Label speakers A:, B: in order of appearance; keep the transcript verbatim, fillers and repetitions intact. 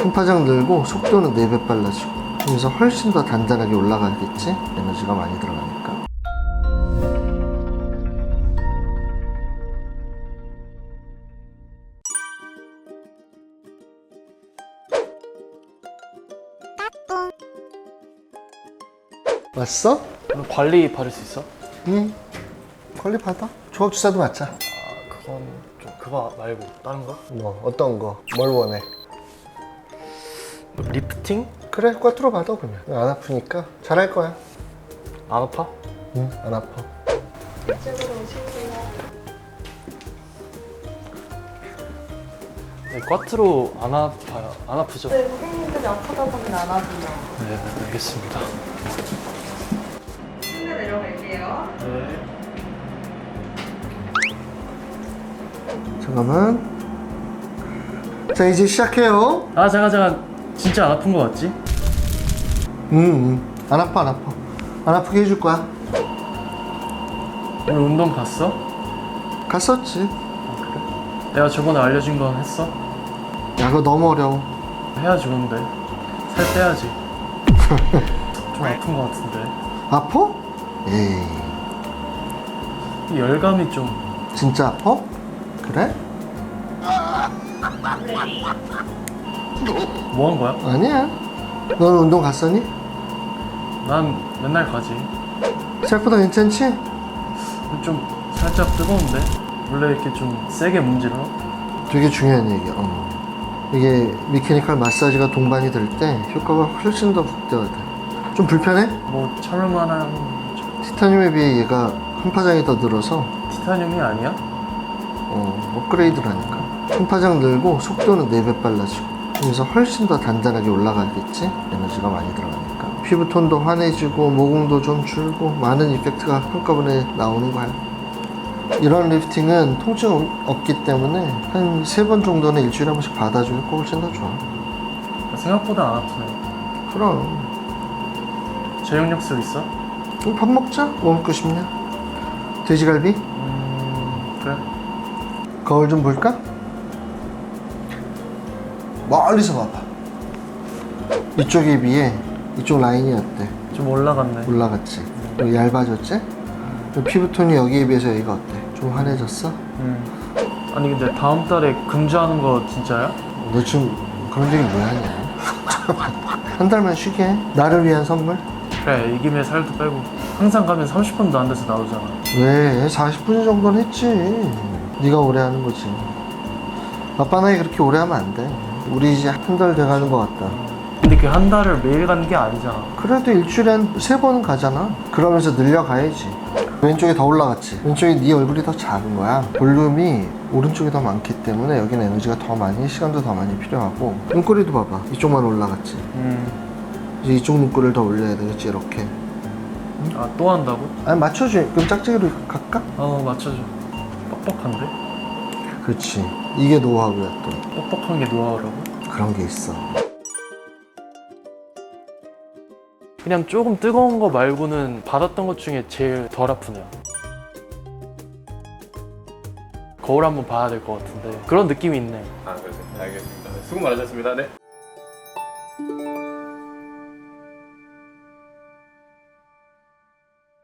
A: 흠파정 늘고 속도는 네 배 빨라지고, 그래서 훨씬 더 단단하게 올라가겠지? 에너지가 많이 들어가니까. 왔어?
B: 그럼 관리 받을 수 있어?
A: 응. 관리 받아. 조합 주사도 맞자.
B: 아 그건 좀 그거 말고 다른 거?
A: 뭐 어떤 거? 뭘 원해?
B: 뭐 리프팅?
A: 그래, 꽈트로 받아 그러면. 안 아프니까 잘할 거야.
B: 안 아파?
A: 응, 안 아파.
C: 이쪽으로 오실게요.
B: 네, 꽈트로 안 아파요. 안 아프죠?
C: 네, 고객님들이 아프다 보면 안 하세요.
B: 네, 네 알겠습니다.
C: 침대 내려갈게요.
B: 네.
A: 잠깐만. 자, 이제 시작해요.
B: 아 잠깐 잠깐 진짜 안 아픈 거 맞지?
A: 응, 응. 안 아파, 안 아파. 안 아프게 해줄 거야.
B: 오늘 운동 갔어?
A: 갔었지.
B: 아 그래? 내가 저번에 알려준 건 했어?
A: 야, 그거 너무 어려워.
B: 해야지 근데 살 빼야지. 좀 아픈 거 같은데
A: 아파? 에이,
B: 이 열감이 좀
A: 진짜 아파? 그래?
B: 뭐 한 거야?
A: 아니야. 너는 운동 갔었니?
B: 난 맨날 가지.
A: 생각보다 괜찮지?
B: 좀 살짝 뜨거운데? 원래 이렇게 좀 세게 문질러?
A: 되게 중요한 얘기야. 어. 이게 미케니컬 마사지가 동반이 될 때 효과가 훨씬 더 극대화돼. 좀 불편해?
B: 뭐 참을만한
A: 티타늄에 비해 얘가 흠파장이 더 늘어서
B: 티타늄이 아니야?
A: 어, 업그레이드라니까. 흠파장 늘고 속도는 네 배 빨라지고, 그래서 훨씬 더 단단하게 올라가겠지? 에너지가 많이 들어가니까. 피부톤도 환해지고 모공도 좀 줄고 많은 이펙트가 한꺼번에 나오는 거야. 이런 리프팅은 통증 없기 때문에 한 세 번 정도는 일주일에 한 번씩 받아주면 훨씬 더 좋아.
B: 생각보다 안 아프네.
A: 그럼.
B: 저녁약속 있어?
A: 그럼 밥 먹자. 뭐 먹고 싶냐? 돼지갈비?
B: 음... 그래.
A: 거울 좀 볼까? 멀리서 봐봐. 이쪽에 비해 이쪽 라인이 어때?
B: 좀 올라갔네.
A: 올라갔지? 여기 얇아졌지? 피부톤이 여기에 비해서 여기가 어때? 좀 환해졌어?
B: 음. 아니 근데 다음 달에 금주하는 거 진짜야?
A: 너 지금 그런 얘기 왜 하냐? 한 달만 쉬게 해. 나를 위한 선물?
B: 그래 이 김에 살도 빼고 항상 가면 삼십 분도 안 돼서 나오잖아.
A: 왜? 사십 분 정도는 했지. 네가 오래 하는 거지. 아빠 나이 그렇게 오래 하면 안 돼. 우리 이제 한 달 돼가는 것 같다.
B: 근데 그 한 달을 매일 가는 게 아니잖아.
A: 그래도 일주일에 한 세 번은 가잖아. 그러면서 늘려가야지. 왼쪽이 더 올라갔지. 왼쪽이 네 얼굴이 더 작은 거야. 볼륨이 오른쪽이 더 많기 때문에 여기는 에너지가 더 많이, 시간도 더 많이 필요하고. 눈꼬리도 봐봐. 이쪽만 올라갔지.
B: 음.
A: 이제 이쪽 눈꼬리를 더 올려야 되겠지, 이렇게.
B: 아 또 한다고?
A: 아니, 맞춰줘. 그럼 짝짝이로 갈까?
B: 어 맞춰줘. 뻑뻑한데?
A: 그렇지. 이게 노하우야, 또.
B: 뻑뻑한 게 노하우라고?
A: 그런 게 있어.
B: 그냥 조금 뜨거운 거 말고는 받았던 것 중에 제일 덜 아프네요. 거울 한번 봐야 될 것 같은데 그런 느낌이 있네.
D: 아, 그러세요. 알겠습니다. 수고 많으셨습니다. 네.